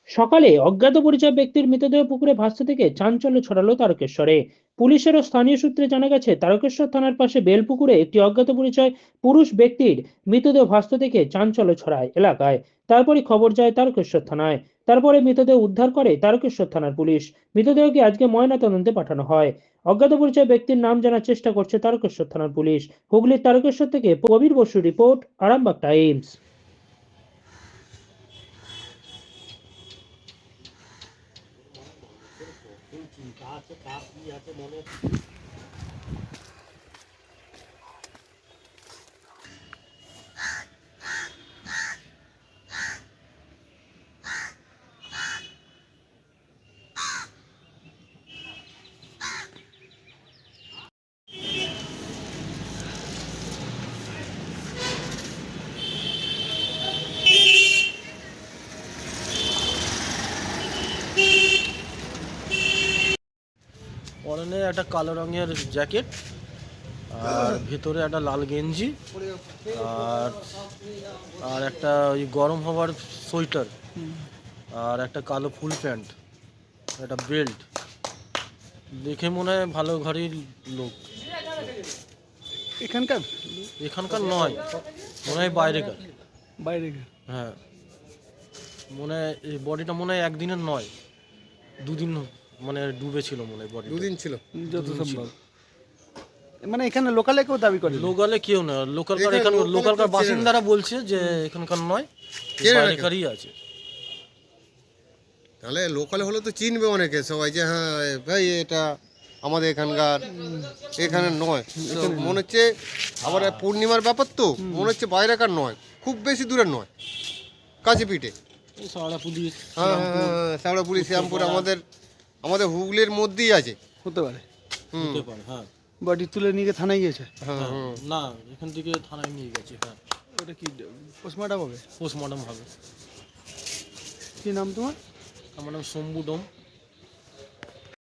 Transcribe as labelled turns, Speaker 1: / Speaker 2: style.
Speaker 1: সকালে অজ্ঞাত পরিচয় ব্যক্তির মৃতদেহ পুকুরে ভাসতে থেকে চাঞ্চল্য ছড়ালো তারকেশ্বরে। পুলিশের ও স্থানীয় সূত্রে জানা গেছে, তারকেশ্বর থানার পাশে বেলপুকুরে একটি অজ্ঞাত পরিচয় পুরুষ ব্যক্তির মৃতদেহ ভাসতে থেকে চাঞ্চল্য ছড়ায় এলাকায়। তারপরই খবর যায় তারকেশ্বর থানায়। তারপরে মৃতদেহ উদ্ধার করে তারকেশ্বর থানার পুলিশ। মৃতদেহকে আজকে ময়নাতদন্তে পাঠানো হয়। অজ্ঞাত পরিচয় ব্যক্তির নাম জানার চেষ্টা করছে তারকেশ্বর থানার পুলিশ। হুগলির তারকেশ্বর থেকে কবির বসু রিপোর্ট, আরামবাগ টাইমস।
Speaker 2: পরনে একটা কালো রঙের জ্যাকেট আর ভেতরে একটা লাল গেঞ্জি আর আর একটা ওই গরম হওয়ার সোয়েটার আর একটা কালো ফুল প্যান্ট, একটা বেল্ট। দেখে মনে হয় ভালো ঘরের লোক।
Speaker 3: এখানকার
Speaker 2: এখানকার নয়, মনে হয় বাইরেকার।
Speaker 3: বাইরে
Speaker 2: হ্যাঁ, মনে হয় এই বডিটা মনে হয় একদিনের নয়, দুদিন মানে ডুবেছিল মনে হয় বডি।
Speaker 4: দুদিন ছিল।
Speaker 3: যত সম্ভব মানে এখানে লোকালে কেউ দাবি করে
Speaker 2: লোকালে কেউ না, লোকালকার
Speaker 4: এখানে
Speaker 2: এখানকার
Speaker 4: লোকালে
Speaker 2: লোকালকার
Speaker 4: কেউ চেনে না।
Speaker 2: বাসিন্দারা বলছে যে এখানকার নয়,
Speaker 4: চেনে না কেউ।
Speaker 2: বাইরেকারই আছে।
Speaker 4: তাহলে লোকালে হলে তো চিনবে অনেকে সবাই যে হ্যাঁ ভাই এটা আমাদের এখানকার, এখানে নয়। তো মনে হচ্ছে আবার পূর্ণিমার ব্যাপার তো মনে হচ্ছে বাইরেকার নয়, খুব বেশি দূরের নয়, কাছে পিঠে।
Speaker 2: এই সারা পুলিশ
Speaker 4: হ্যাঁ হ্যাঁ, শ্যামড়াপুরি শ্যামপুর আমাদের আমাদের হুগলির মধ্যেই আছে।
Speaker 3: হতে পারে।
Speaker 4: হুম,
Speaker 2: হতে পারে, হ্যাঁ।
Speaker 3: বডি তুলে নিয়ে গিয়ে থানায় গিয়েছে।
Speaker 4: হ্যাঁ
Speaker 2: হ্যাঁ,
Speaker 4: হ্যাঁ।
Speaker 2: না এখান থেকে থানায় নিয়ে গেছে। হ্যাঁ,
Speaker 3: ওটা কি পোস্টমর্টম হবে?
Speaker 2: পোস্টমর্টম হবে।
Speaker 3: কি নাম তোমার?
Speaker 2: আমার নাম শম্ভু ডোম।